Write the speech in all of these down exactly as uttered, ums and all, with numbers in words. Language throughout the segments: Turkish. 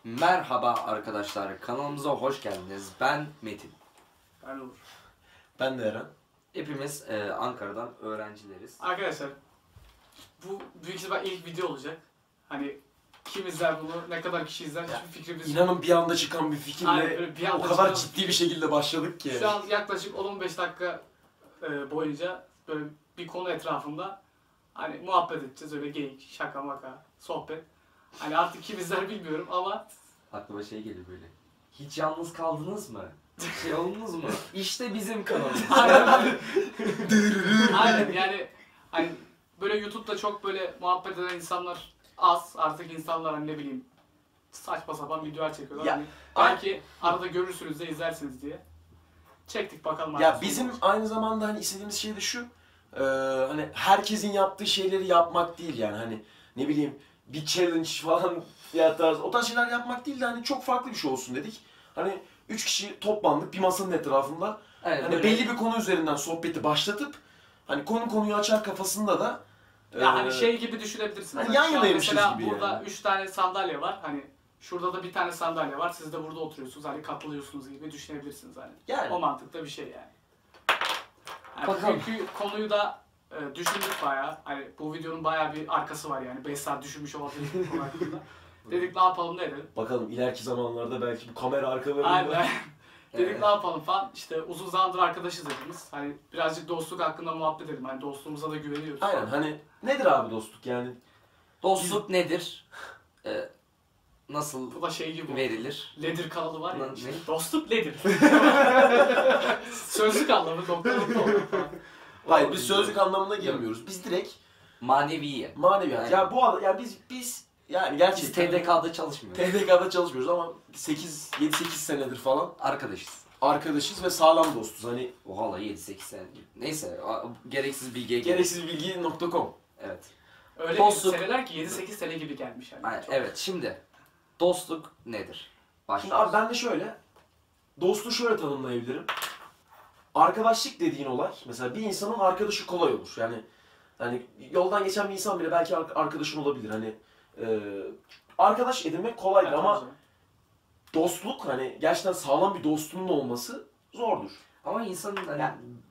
Merhaba arkadaşlar, kanalımıza hoş geldiniz. Ben Metin. Ben Uğur. Ben de Eren. Hepimiz e, Ankara'dan öğrencileriz. Arkadaşlar, bu büyük ihtimal ilk video olacak. Hani kim izler bunu, ne kadar kişi izler hiçbir fikrimiz yok. İnanın bir anda çıkan bir fikirle Aynen, bir anda o kadar çıkan... ciddi bir şekilde başladık ki. Şu an yaklaşık on on beş dakika e, boyunca böyle bir konu etrafında hani muhabbet edeceğiz, öyle geyik, şaka maka, sohbet. Hani artık kim izler bilmiyorum ama... Aklıma şey geliyor böyle. Hiç yalnız kaldınız mı? Şey oldunuz mu? İşte bizim kanalımız. Aynen. Aynen yani hani böyle YouTube'da çok böyle muhabbet eden insanlar az. Artık insanlar hani ne bileyim saçma sapan videolar çekiyorlar. Ya, hani belki arada görürsünüz de izlersiniz diye. Çektik bakalım. Ya bizim olur. Aynı zamanda hani istediğimiz şey de şu. E, hani herkesin yaptığı şeyleri yapmak değil yani hani ne bileyim bir challenge falan ya tarz o tarz şeyler yapmak değil de hani çok farklı bir şey olsun dedik. Hani üç kişi toplandık bir masanın etrafında. Evet, hani böyle... belli bir konu üzerinden sohbeti başlatıp hani konu konuyu açar kafasında da ya e, hani şey gibi düşünebilirsiniz. Hani hani yan yanaymışız mesela gibi burada yani. üç tane sandalye var. Hani şurada da bir tane sandalye var. Siz de burada oturuyorsunuz. Hani katılıyorsunuz gibi düşünebilirsiniz hani. Yani. O mantıkta bir şey yani. Yani Bakalım. Çünkü konuyu da e, düşündük bayağı. Hani bu videonun bayağı bir arkası var yani. beş saat düşünmüş olabilir bu konu hakkında. Dedik ne yapalım ne edelim. Bakalım ileriki zamanlarda belki bu kamera arkalarında. Aynen. Dedik Evet. ne yapalım falan. İşte uzun zamandır arkadaşız hepimiz. Hani birazcık dostluk hakkında muhabbet edelim. Hani dostluğumuza da güveniyoruz. Aynen hani nedir abi dostluk yani? Dostluk nedir? Ee, nasıl Bu da şey gibi verilir? Ledir kanalı var ya. Ne? Işte, dostluk nedir? Sözlük anlamı doktor doktor falan. Hayır biz sözlük anlamına girmiyoruz. Biz direkt Maneviye. maneviyat. Aynen. Ya bu arada ya biz biz yani Biz gerçekten T D K'da çalışmıyoruz. T D K'da çalışmıyoruz ama sekiz yedi sekiz senedir falan Arkadaşız. arkadaşız ve sağlam dostuz. Hani Oha yedi sekiz sene. Neyse a- gereksiz bilgiye gerek. gereksiz bilgi nokta com. Evet. Öyle Dostluk. bir seneler ki yedi sekiz sene gibi gelmiş yani. Aynen, Çok- evet şimdi dostluk nedir? Şimdi Başlıyoruz. abi ben de şöyle dostluğu şöyle tanımlayabilirim. Arkadaşlık dediğin olay mesela bir insanın arkadaşı kolay olur. Yani hani yoldan geçen bir insan bile belki arkadaşın olabilir. Hani e, arkadaş edinmek kolaydır Evet, ama tabii canım. dostluk hani gerçekten sağlam bir dostluğun olması zordur. Ama insanın hani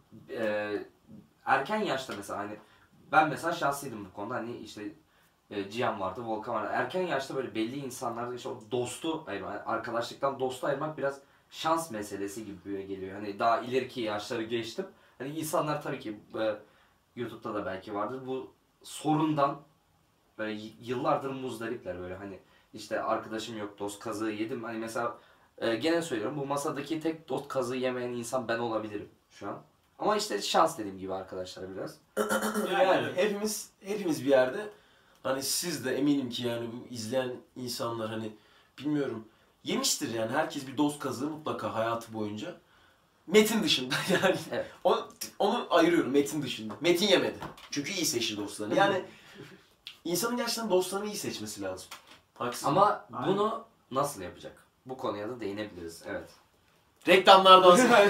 e, erken yaşta mesela hani ben mesela şanslıydım bu konuda hani işte e, Cihan vardı, Volkan vardı. Erken yaşta böyle belli insanlarda işte o dostu ayırmak, arkadaşlıktan dostu ayırmak biraz şans meselesi gibi geliyor. Hani daha ileriki yaşları geçtim. Hani insanlar tabii ki e, YouTube'da da belki vardır bu sorundan böyle y- yıllardır muzdaripler böyle hani işte arkadaşım yok dost kazığı yedim. Hani mesela e, gene söylüyorum bu masadaki tek dost kazığı yemeyen insan ben olabilirim şu an. Ama işte şans dediğim gibi arkadaşlar biraz. Yani, Yani evet. hepimiz hepimiz bir yerde hani siz de eminim ki yani bu izleyen insanlar hani bilmiyorum yemiştir yani herkes bir dost kazığı mutlaka hayatı boyunca. Metin dışında yani Evet. onu, onu ayırıyorum Metin dışında. Metin yemedi. Çünkü iyi seçti dostlarını. Yani insanın gerçekten dostlarını iyi seçmesi lazım. Haksız mı? Ama Aynen. bunu nasıl yapacak? Bu konuya da değinebiliriz. Evet. Reklamlardan sonra.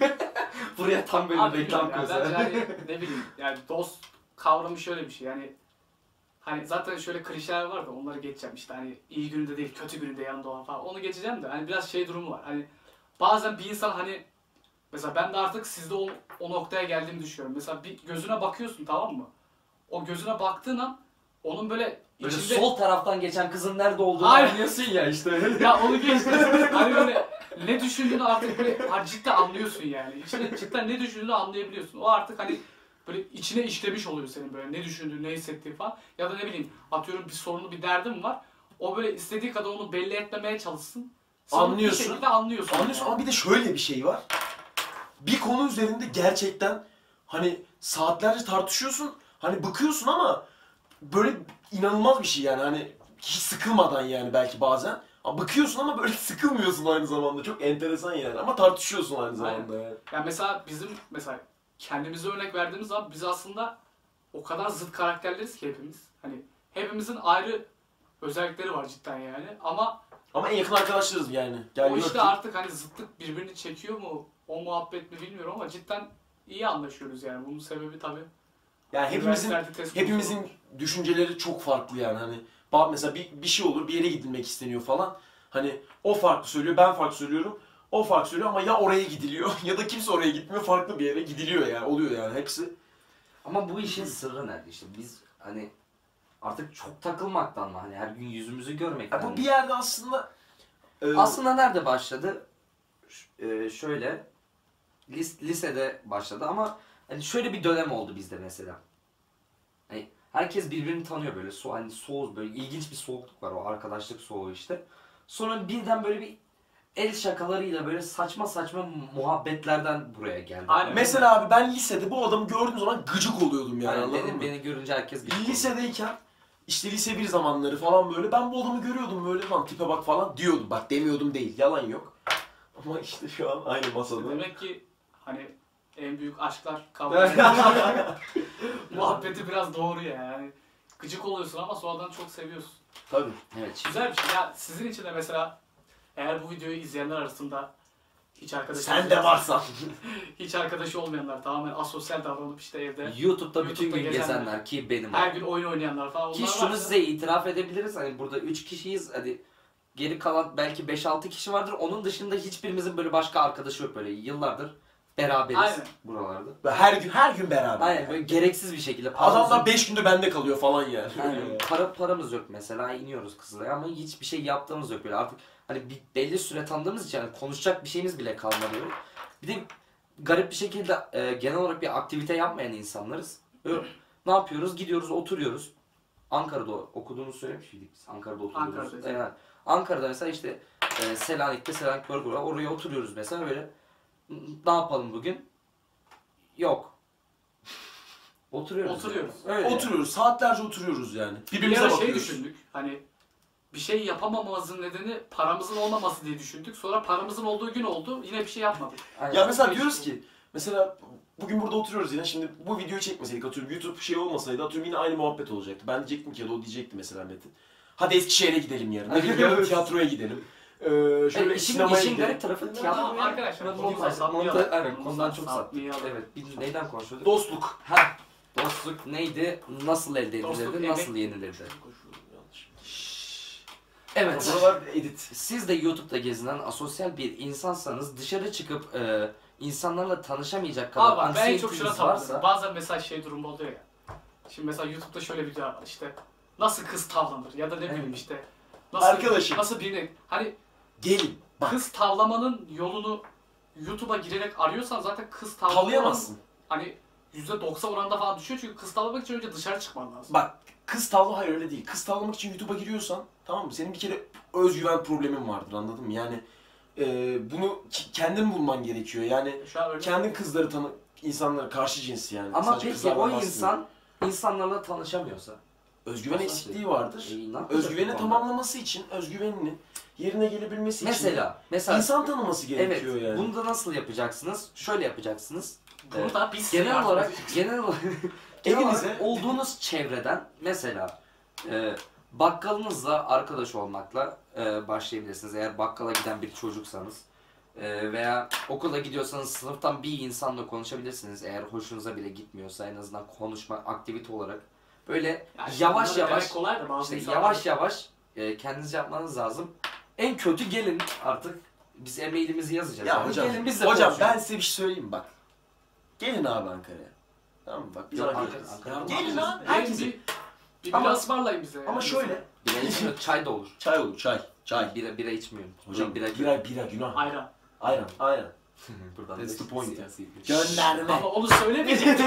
Buraya tam böyle Abi reklam bilmiyorum ya, koysa. bence hani ne bileyim yani dost kavramı şöyle bir şey yani hani zaten şöyle klişeler var da onları geçeceğim işte hani iyi gününde değil kötü gününde yanında olan falan onu geçeceğim de hani biraz şey durumu var hani bazen bir insan hani mesela ben de artık sizde o, o noktaya geldiğimi düşünüyorum mesela bir gözüne bakıyorsun tamam mı o gözüne baktığın an onun böyle Böyle içinde sol taraftan geçen kızın nerede olduğunu Hayır. anlıyorsun ya işte. ya onu geçtim hani böyle ne düşündüğünü artık böyle ha, cidden anlıyorsun yani. İçinde cidden ne düşündüğünü anlayabiliyorsun. O artık hani böyle içine işlemiş oluyor senin böyle ne düşündüğün, ne hissettiğin falan. Ya da ne bileyim atıyorum bir sorunu, bir derdin var. O böyle istediği kadar onu belli etmemeye çalışsın. Sen Anlıyorsun. Bir şekilde anlıyorsun. Anlıyorsun yani. ama bir de şöyle bir şey var. Bir konu üzerinde gerçekten hani saatlerce tartışıyorsun. Hani bıkıyorsun ama böyle inanılmaz bir şey yani hani hiç sıkılmadan yani belki bazen. Ama bıkıyorsun ama böyle sıkılmıyorsun aynı zamanda. Çok enteresan yani ama tartışıyorsun aynı zamanda yani. Yani mesela bizim mesela kendimize örnek verdiğimiz zaman biz aslında o kadar zıt karakterleriz ki hepimiz. Hani hepimizin ayrı özellikleri var cidden yani ama Ama en yakın arkadaşlarız yani. Gel o gör işte ki- artık hani zıtlık birbirini çekiyor mu? O muhabbet mi bilmiyorum ama cidden iyi anlaşıyoruz yani. Bunun sebebi tabii. Yani hepimizin üniversitelerde test konusu hepimizin olmuş. düşünceleri çok farklı yani hani. Ba- Mesela bir, bir şey olur, bir yere gidilmek isteniyor falan. Hani o farklı söylüyor, ben farklı söylüyorum. O farklı söylüyor ama ya oraya gidiliyor ya da kimse oraya gitmiyor, farklı bir yere gidiliyor yani. Oluyor yani hepsi. Ama bu işin sırrı nerede işte? Biz hani artık çok takılmaktan mı? Hani her gün yüzümüzü görmekten Ya bu mi? bir yerde aslında... e, Aslında nerede başladı? Ş- e, şöyle lis- lisede başladı ama hani şöyle bir dönem oldu bizde mesela. Hani herkes birbirini tanıyor böyle. So hani soğuk böyle ilginç bir soğukluk var, o arkadaşlık soğuğu işte. Sonra birden böyle bir el şakalarıyla böyle saçma saçma muhabbetlerden buraya geldi. Aynen. Mesela abi ben lisede bu adamı gördüğüm zaman gıcık oluyordum yani, Yani anladın beni, mı? beni görünce herkes bir Lisedeyken işte lise bir zamanları falan böyle ben bu adamı görüyordum böyle, lan tipe bak falan diyordum. Bak demiyordum değil, yalan yok. Ama işte şu an aynı masada. Demek ki hani en büyük aşklar kavga muhabbeti biraz doğru ya yani. Gıcık oluyorsun ama sonradan çok seviyorsun. Tabii. Evet. Şimdi Güzel bir şey. Ya sizin için de mesela eğer bu videoyu izleyenler arasında hiç arkadaşı Sen de varsan. hiç arkadaşı olmayanlar, tamamen asosyal davranıp işte evde YouTube'da bütün YouTube'da gün gezenler, gezenler ki benim. her gün oyun oynayanlar falan, Ki onlar şunu varsa- size itiraf edebiliriz. Hani burada üç kişiyiz. Hadi geri kalan belki beş altı kişi vardır. Onun dışında hiçbirimizin böyle başka arkadaşı yok böyle. Yıllardır beraberiz Aynen. buralarda. Ve her gün her gün beraber. Aynen yani. böyle gereksiz bir şekilde. paramız Adamlar yok. beş günde bende kalıyor falan yani. Aynen. Para, paramız yok mesela, iniyoruz Kızılay'a ama hiçbir şey yaptığımız yok böyle artık. Hani bir belli süre tanıdığımız için hani konuşacak bir şeyimiz bile kalmadı böyle. Bir de garip bir şekilde e, genel olarak bir aktivite yapmayan insanlarız. Böyle, ne yapıyoruz? Gidiyoruz, oturuyoruz. Ankara'da okuduğumuzu söylemiş miydik biz? Ankara'da oturuyoruz. Ankara'da. Yani Ankara'da mesela işte e, Selanik'te Selanik Burger var. Oraya oturuyoruz mesela böyle. Ne yapalım bugün? Yok. Oturuyoruz. Oturuyoruz. Yani. Öyle. Oturuyoruz, saatlerce oturuyoruz yani. Bir Birbirimize ara şey bakıyoruz. düşündük, hani bir şey yapamamamızın nedeni paramızın olmaması diye düşündük. Sonra paramızın olduğu gün oldu, yine bir şey yapmadık. Aynen. Ya mesela Değişik diyoruz oldu. ki, mesela bugün burada oturuyoruz yine, şimdi bu videoyu çekmeseydik, atıyorum YouTube şey olmasaydı, atıyorum yine aynı muhabbet olacaktı. Ben diyecektim ki ya da o diyecekti mesela Metin. Hadi Eskişehir'e gidelim yarın. Ne bileyim yarın tiyatroya gidelim. Ee, şöyle Evet, işin, sinemaya işin gidelim. garip tarafı tiyatro. Ama arkadaşlar, Montaj- konudan sapmayalım. montaj- Aynen, konudan çok saptık. sapmayalım. Evet, biz neyden konuşuyorduk? Dostluk. Ha, dostluk neydi? Nasıl elde Dostluk, edilirdi? emek- Nasıl yenilirdi? Yanlış. Evet. Buralar edit. Siz de YouTube'da gezinen asosyal bir insansanız dışarı çıkıp e, insanlarla tanışamayacak kadar Abi bak, ben en çok şuna anksiyeteniz takılıyorum. varsa Bazen mesela şey durumu oluyor ya. Şimdi mesela YouTube'da şöyle bir video var işte. Nasıl kız tavlanır ya da ne bileyim Evet. işte. Nasıl, Arkadaşım. Nasıl birini. Hani Gelin. Bak. kız tavlamanın yolunu YouTube'a girerek arıyorsan zaten kız tavlamanın Tavlayamazsın. hani yüzde doksan oranda falan düşüyor, çünkü kız tavlamak için önce dışarı çıkman lazım. Bak, kız tavla hayır öyle değil. Kız tavlamak için YouTube'a giriyorsan, tamam mı? Senin bir kere özgüven problemin vardır, anladın mı? Yani e, bunu ki- kendin bulman gerekiyor. Yani Şu an öyle. kendin kızları tanı, insanlara karşı cinsi yani. ama Sadece peki kızlardan o bahsediyorum. insan insanlarla tanışamıyorsa özgüven Nasıl eksikliği vardır. e, ne yapacak Özgüveni bu konuda? tamamlaması için, özgüvenini yerine gelebilmesi için Mesela, mesela insan tanıması evet, gerekiyor yani. bunu da nasıl yapacaksınız? Şöyle yapacaksınız. Bunu da biz size Genel yardım olarak edeceğiz. genel olarak genel Evinize- olarak olduğunuz çevreden mesela e, bakkalınızla arkadaş olmakla e, başlayabilirsiniz. Eğer bakkala giden bir çocuksanız e, veya okula gidiyorsanız sınıftan bir insanla konuşabilirsiniz. Eğer hoşunuza bile gitmiyorsa en azından konuşma aktivite olarak böyle Yani şimdi yavaş bunları yavaş demek kolay da bazı işte insanlar- yavaş yavaş e, kendiniz yapmanız lazım. En kötü gelin artık biz e-mailimizi yazacağız. Ya yani. hocam, gelin biz de hocam konuşalım. ben size bir şey söyleyeyim mi? Bak. Gelin abi Ankara'ya. Tamam mı? Bak biz Yok, Ankara'yız. Ankara- Ya Ankara- gelin abi. Gelin Herkese. bir, bir Ama- bira ısmarlayın bize. Ama yani. şöyle. Bira içmiyor, çay da olur. Çay olur, çay. Çay. Bira, bira içmiyorum. Hocam bira, bira, bira, günah. Ayran. Aynen, aynen. Buradan That's da the point. siyasi- Gönderme. Ama onu söylemeyecektin.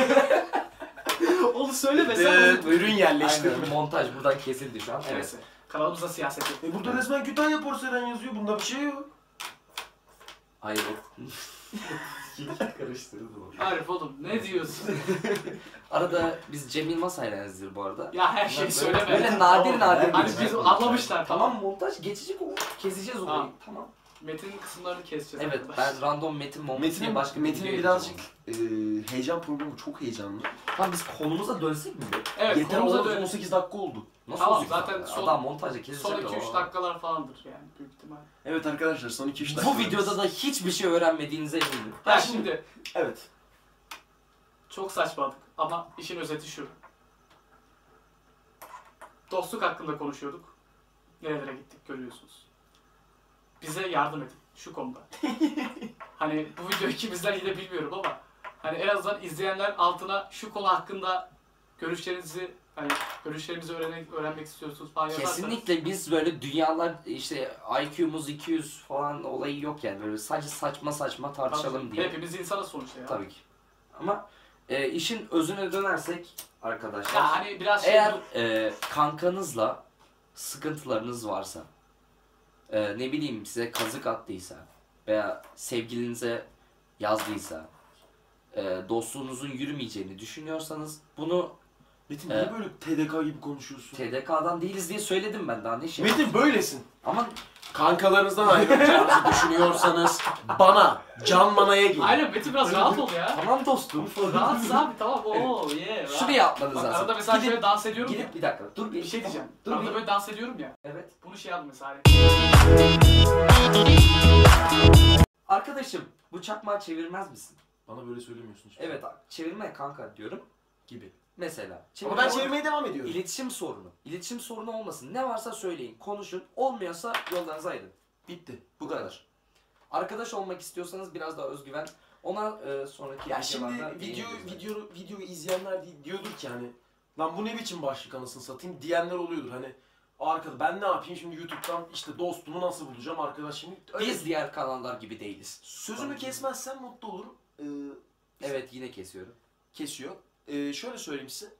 onu söylemesen Evet, onu... ürün Aynen, yerleştirme. montaj buradan kesildi şu an. Evet. Neyse. Kanalımızda siyaset yok. E burada resmen Kütahya porselen yazıyor. Bunda bir şey yok. Hayır o. Karıştırdım onu. Arif oğlum ne diyorsun? Arada biz Cem Yılmaz hayranızdır bu arada. ya her şeyi Böyle- söyleme. Böyle nadir Tamam, nadir. Hani geçiyor. biz anlamışlar, tamam. Tamam montaj geçecek o. Keseceğiz orayı. Tamam. Tamam. Metin'in kısımlarını keseceğiz. Evet arkadaşlar. ben random metin montaj diye Metin'in başka bir Metin'in video birazcık yapacağım e, heyecan problemi, çok heyecanlı. onu. Tamam biz konumuza dönsek mi? be? Evet, Yeter konumuza olmaz, dönelim. on sekiz dakika oldu. Nasıl Tamam, olacak zaten ya? son- Adam montajda kesecek. Son iki üç o. dakikalar falandır yani büyük ihtimal. Evet arkadaşlar, son iki üç dakika. Bu videoda da hiçbir şey öğrenmediğinize eminim. Ya Ha, şimdi Evet. çok saçmaladık ama işin özeti şu. Dostluk hakkında konuşuyorduk. Nerelere gittik görüyorsunuz. bize yardım edin şu konuda. Hani bu videoyu kimizden yine bilmiyorum ama hani en azından izleyenler altına şu konu hakkında görüşlerinizi hani görüşlerimizi öğrenmek, öğrenmek istiyorsunuz falan yazarsanız. Kesinlikle biz böyle dünyalar işte I Q'muz iki yüz falan olayı yok yani böyle sadece saçma saçma tartışalım Tabii, diye. hepimiz insanız sonuçta ya. Tabii ki. Ama e, işin özüne dönersek arkadaşlar. Ya hani biraz şey eğer e, kankanızla sıkıntılarınız varsa, e, ne bileyim size kazık attıysa veya sevgilinize yazdıysa, e, dostluğunuzun yürümeyeceğini düşünüyorsanız bunu Metin Ee, niye böyle T D K gibi konuşuyorsun? T D K'dan değiliz diye söyledim ben daha ne şey. Metin böylesin. Ama Kankalarınızdan ayrılacağınızı düşünüyorsanız bana, Can Mana'ya gelin. Aynen Metin biraz rahat ol ya. tamam dostum. Rahatsız abi tamam oo yeah. rahat. Şunu yapmanız Bak, lazım. arada mesela Gidip- şöyle dans ediyorum ya. Gidip bir dakika dur bir, Bir şey diyeceğim. Dur arada bir. böyle dans ediyorum ya. Evet. Bunu şey yapma mesela. Hani. Arkadaşım bu çakmağı çevirmez misin? Bana böyle söylemiyorsun hiç. Evet çevirme kanka diyorum. Gibi. Mesela. Ama Çevirme ben olur. çevirmeye devam ediyorum. İletişim sorunu. İletişim sorunu olmasın. Ne varsa söyleyin. Konuşun. Olmuyorsa yollarınızı ayırın. Bitti. Bu kadar. Arkadaş olmak istiyorsanız biraz daha özgüven. Ona e, sonraki Ya şimdi videolarda video değiniriz. video videoyu izleyenler di- diyordur ki hani lan bu ne biçim başlık anasını satayım diyenler oluyordur hani arkada ben ne yapayım şimdi YouTube'dan işte dostumu nasıl bulacağım arkadaş şimdi öyle- Biz diğer kanallar gibi değiliz. sözümü kesmezsen mutlu olurum. Ee, Evet yine kesiyorum. kesiyor. Ee, şöyle söyleyeyim size.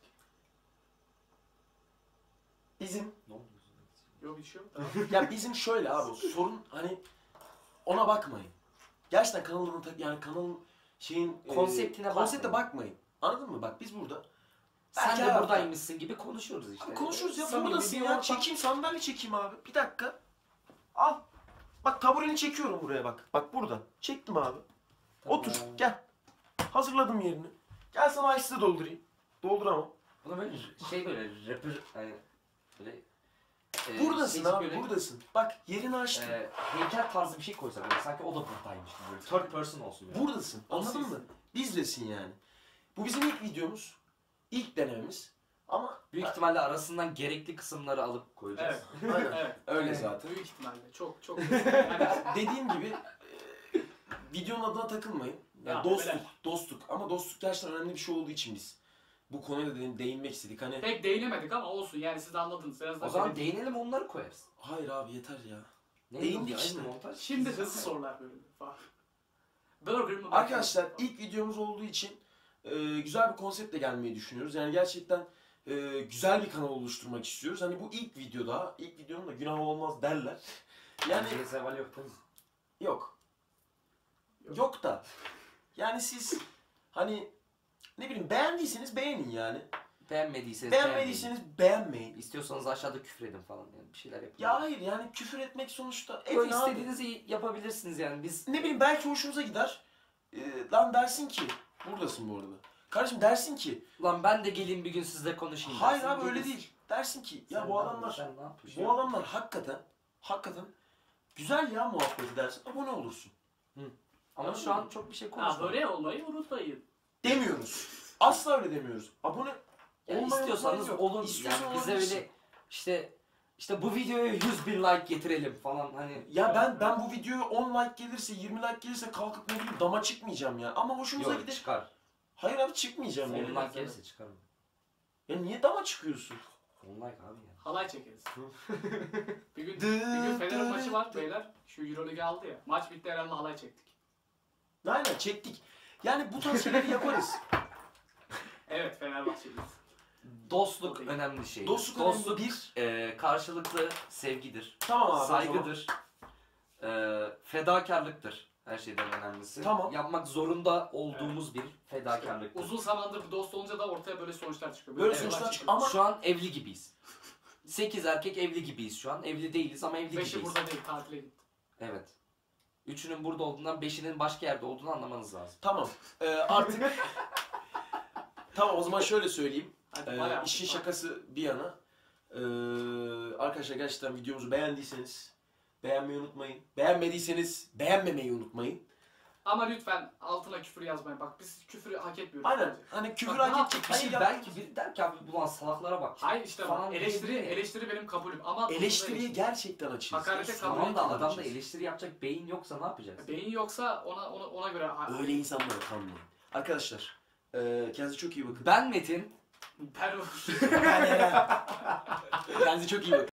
Bizim Ne oldu? Yok bir şey yok. Tamam. ya bizim şöyle abi sorun hani ona bakmayın. Gerçekten kanalın ta- yani kanalın şeyin e, Konseptine konsepte bakmayın. bakmayın. Anladın mı? Bak biz burada Sen Belki de hayatta- buradaymışsın gibi konuşuyoruz işte. Abi konuşuruz ya Samimi buradasın bir ya. ortam. Çekeyim sandalye çekeyim abi. Bir dakika. Al. Bak tabureni çekiyorum buraya bak. Bak burada. Çektim abi. Tamam. Otur gel. Hazırladım yerini. Gel sana ice de doldurayım. Dolduramam. Buna böyle şey böyle rapper hani böyle e, Buradasın şey abi böyle, buradasın. Bak yerini açtım. e, heykel tarzı bir şey koysak böyle sanki o da buradaymış gibi böyle third person olsun yani. Buradasın. Anladın mı? Bizlesin yani. Bu bizim ilk videomuz. İlk denememiz. Ama Büyük ihtimalle arasından gerekli kısımları alıp koyacağız. Evet. Aynen. Evet. öyle Evet. zaten. Büyük ihtimalle. Çok çok. Yani, Dediğim gibi e, videonun adına takılmayın. Yani Ya, dostluk, beyler. dostluk. Ama dostluk gerçekten önemli bir şey olduğu için biz bu konuya da değin- değinmek istedik. Hani pek değinemedik ama olsun yani siz de anladınız. En azından O zaman benim- değinelim onları koyarız. hayır abi yeter ya. Ne Değindik diyorsun? işte. Aynı montaj. Şimdi hızlı sorular bölümü falan. Burger mı? Arkadaşlar ilk videomuz olduğu için e, güzel bir konseptle gelmeyi düşünüyoruz. Yani gerçekten e, güzel bir kanal oluşturmak istiyoruz. Hani bu ilk videoda, ilk videonun da günah olmaz derler. Yani Yani zeval yok değil mi? yok. Yok. Yok da. Yani siz hani ne bileyim beğendiyseniz beğenin yani. Beğenmediyseniz Beğenmediyseniz beğenmeyin. beğenmeyin. İstiyorsanız aşağıda küfür edin falan yani bir şeyler yapın. Ya hayır yani küfür etmek sonuçta Yo, edin abi. istediğinizi yapabilirsiniz yani biz. Ne bileyim belki hoşunuza gider. Ee, lan dersin ki buradasın bu arada. Kardeşim dersin ki Lan ben de geleyim bir gün sizle konuşayım. hayır dersin, abi öyle gelirsin. değil. Dersin ki ya Sen bu ne adamlar yapıyorsun, sen ne yapıyorsun? bu adamlar hakikaten hakikaten güzel ya muhabbeti dersin. Abone olursun. Ama şu an çok bir şey Ha, konuşmadık. böyle olmayı unutmayın. Demiyoruz. Asla öyle demiyoruz. Abone Yani olmayı istiyorsanız unutmayın yok. olun. İstiyorsan Yani bize olabilirsin. öyle işte işte bu videoya yüz bin like getirelim falan hani. Ya ben ben bu videoya on like gelirse yirmi like gelirse kalkıp ne bileyim dama çıkmayacağım ya. Ama hoşumuza Yok gider. çıkar. Hayır abi çıkmayacağım on yani. like gelirse çıkarım. Ya niye dama çıkıyorsun? on like abi ya. Halay çekeriz. bir gün, Dı, bir gün Fener'in dı, maçı var dı. beyler. Şu Euroleague aldı ya. Maç bitti Eren'le halay çektik. Aynen çektik. Yani bu tarz şeyleri yaparız. Evet Fenerbahçeliyiz. Dostluk Okey. önemli şey. Dostluk, Dostluk önemli bir. e, karşılıklı sevgidir. Tamam abi. o zaman. Saygıdır. E, fedakarlıktır. Her şeyden önemlisi. Tamam. Yapmak zorunda olduğumuz bir fedakarlıktır. Uzun zamandır bir dost olunca da ortaya böyle sonuçlar çıkıyor. Böyle şeyler sonuçlar çıkıyor. Ama- Şu an evli gibiyiz. sekiz erkek evli gibiyiz şu an. Evli değiliz ama evli Beşi gibiyiz. burada değil tatile gitti. Evet. Üçünün burada olduğundan beşinin başka yerde olduğunu anlamanız lazım. Tamam. Ee, artık tamam o zaman şöyle söyleyeyim. Hadi Ee, bayağı. işin şakası bir yana. Ee, arkadaşlar gerçekten videomuzu beğendiyseniz beğenmeyi unutmayın. Beğenmediyseniz beğenmemeyi unutmayın. Ama lütfen altına küfür yazmayın. Bak biz küfürü hak etmiyoruz. Aynen. bence. Hani küfür Bak, ne hak edecek bir şey Hayır yap. belki biri der ki abi ulan salaklara bak. Hayır işte Falan bak, eleştiri diyebilir miyim? eleştiri benim kabulüm ama Eleştiriye eleştiri. gerçekten açığız. Hakarete kabul Tamam da Gerçekten adamda açığız. eleştiri yapacak beyin yoksa ne yapacaksın? Beyin yoksa ona ona, ona göre Öyle insanlara kanmayın. Arkadaşlar, e, kendinize çok iyi bakın. Ben Metin. ben Kendinize çok iyi bakın.